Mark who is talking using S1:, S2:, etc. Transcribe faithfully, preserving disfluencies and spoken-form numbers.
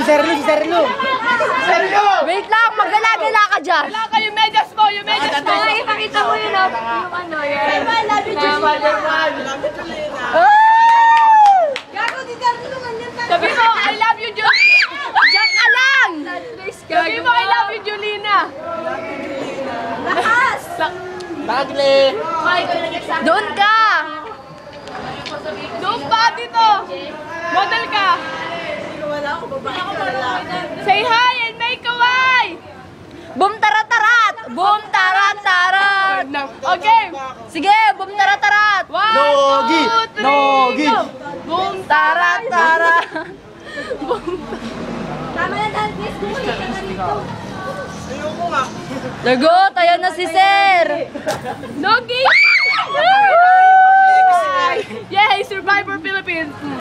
S1: Sir Lu, si Sir Lu. Sir Lu!
S2: Wait lang, magala-gala ka dyan.
S3: Wala ka yung medyas mo, yung medyas mo.
S2: Ay, ipakita mo yun, oh. Yung ano, yan.
S3: I love you, Julina.
S2: Gago, di ka naman yan.
S3: Sabi mo, I love you, Julina.
S2: Diyan ka lang!
S3: Sabi mo, I love you, Julina.
S2: Lakas!
S1: Bagli!
S2: Doon ka!
S3: Doon pa dito. Model ka. Say hi and make a way.
S2: Boom tarat-tarat! Boom tarat-tarat!
S3: Okay.
S2: Sige, boom tarat-tarat!
S3: One,
S1: Nogi!
S3: two, three,
S1: Nogi!
S3: go. Boom,
S2: Tarat-tarat!
S4: Tama na dahil please, bumalik ka na dito.
S2: Lago, tayo na si Sir!
S3: Nogi! Yay! Survivor Philippines!